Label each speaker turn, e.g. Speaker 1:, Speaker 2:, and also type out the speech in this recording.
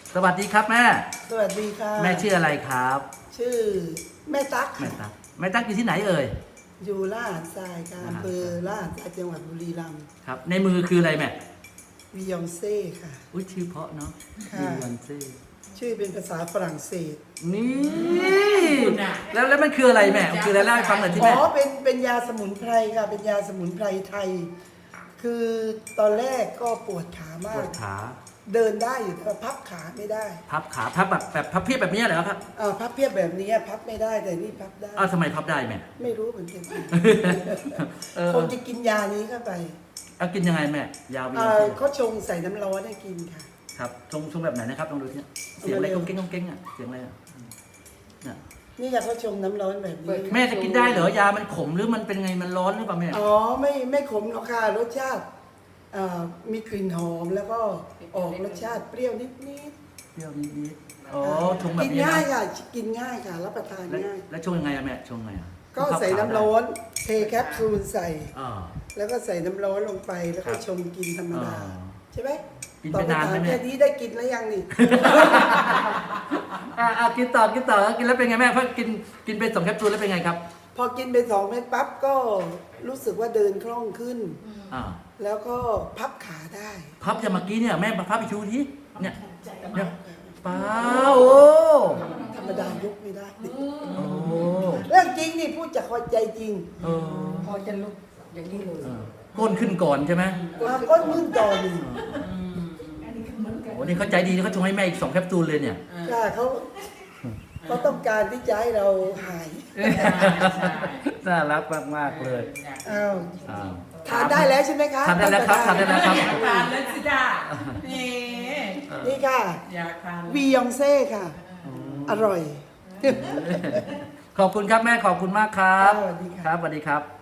Speaker 1: สวัสดีครับแม่
Speaker 2: สวัสดีค่ะ
Speaker 1: แม่ชื่ออะไรครับ
Speaker 2: ชื่อแม่ตั๊ก
Speaker 1: แม่
Speaker 2: ค่ะ
Speaker 1: ตั๊กแม่ตั๊กอยู่ที่ไหนเอ่ย
Speaker 2: อยู่ลาดทรายค่ะอำเภอลาดทรายจังหวัดบุรีรัมย์
Speaker 1: ครับ ในมือคืออะไรแม่
Speaker 2: วิยองเซ่ค่ะ
Speaker 1: อุ้ยชื่อเพราะเนาะ
Speaker 2: ค่ะ
Speaker 1: มีวันเซ่
Speaker 2: ชื่อเป็นภาษาฝรั่งเศส
Speaker 1: นี่แล้วมันคืออะไรแม่คืออะไรเล่าให้ฟังหน่อยที่
Speaker 2: อ๋
Speaker 1: แม่
Speaker 2: อเป็นยาสมุนไพรค่ะ เป็นยาสมุนไพรไทย คือตอนแรกก็ปวดขา
Speaker 1: ป
Speaker 2: มาว ก
Speaker 1: ดขา
Speaker 2: เดินได้อยู่แต่พับขาไม่ได้
Speaker 1: พับขาพับแบบพับเพียบแบบนี้เหรอครับ
Speaker 2: พับเพียบแบบนี้พับไม่ได้แต่นี่พับได้
Speaker 1: อ้าวทำไมพับได้แม่
Speaker 2: ไม่รู้เหมือนกัน
Speaker 1: เออ
Speaker 2: คงจะกินยานี้เข้าไป
Speaker 1: เอากินยังไงแม่ยาววีวันเซ่
Speaker 2: เขาชงใส่น้ำร้อนให้กินค่ะ
Speaker 1: ครับชงแบบไหนนะครับลองดูที่เสียงอะไรก้องเก้งก้องเก้งอ่ะเสียงอะไรอ่ะเนี่ย
Speaker 2: นี่ยาเขาชงน้ำร้อนแบบนี้
Speaker 1: แม่จะกินได้เหรอยามันขมหรือมันเป็นไงมันร้อนหรือเปล่าแม่
Speaker 2: อ๋อไม่ขมหรอกค่ะรสชาติมีกลิ่นหอมแล้วก็ออกรสชาติเปรี้ยวนิด
Speaker 1: เปรี้ยวนิดๆอ๋อ
Speaker 2: ๆ
Speaker 1: ชงแบบ
Speaker 2: กิน
Speaker 1: นี้
Speaker 2: ง่าย
Speaker 1: นะ
Speaker 2: ค่ะกินง่ายค่ะรับประทาน
Speaker 1: แล้ว
Speaker 2: ง่าย
Speaker 1: แล้วชงยังไงอะแม่ชงไงอะ
Speaker 2: ก็ใส่น้ำร้อนเทแคปซูลใส่
Speaker 1: อ่า
Speaker 2: แล้วก็ใส่น้ำร้อนลงไปแล้วก็
Speaker 1: ครับ
Speaker 2: ชงกินธรรมดา
Speaker 1: อ่า
Speaker 2: ใช่ไหม
Speaker 1: กินไปนานไหม
Speaker 2: ตอบคำถ
Speaker 1: แม่
Speaker 2: แค่นี้ได้กินแล้วยังนี่
Speaker 1: กินต่อกินแล้วเป็นไงแม่พอกินไป2 แคปซูลแล้วเป็นไงครับ
Speaker 2: พอกินไป2 เม็ดปั๊บก็รู้สึกว่าเดินคล่องขึ้น
Speaker 1: อ่า
Speaker 2: แล้วก็พับขาได้
Speaker 1: พับจะเมื่อกี้เนี่ยแม่พับอีกชูทีเนี่ยเนี่ยป้าโอ้
Speaker 2: ธรรมดายกไม่ได้
Speaker 1: โอ้
Speaker 2: เรื่องจริงนี่พูดจากใจจริง
Speaker 1: เออ
Speaker 3: พอจะลุกอย่างนี้เลย
Speaker 1: ก้นขึ้นก่อนใช่ไหม
Speaker 2: ก็มึนก่อนนี่
Speaker 1: โอ้นี่เขาใจดีนะเขาชงให้แม่อีก2 แคปซูลเลยเนี่ย
Speaker 2: ค่ะเขาต้องการที่จะให้เราหาย
Speaker 1: น่ารักมากๆเลย
Speaker 2: อ้าว
Speaker 1: อ้าว
Speaker 2: ทานได้แล้วใช่ไหมคะ
Speaker 1: ทานได้แล้วครับทานได้แล้วครับ
Speaker 3: อยากทานแล้วสิจ้านี่
Speaker 2: นี่ค่ะ
Speaker 3: อยากทาน
Speaker 2: วียองเซ่ค่ะ อร่อย
Speaker 1: ขอบคุณครับแม่ขอบคุณมากครับ
Speaker 2: สวัสดีค่ะ
Speaker 1: ครับสวัสดีครับ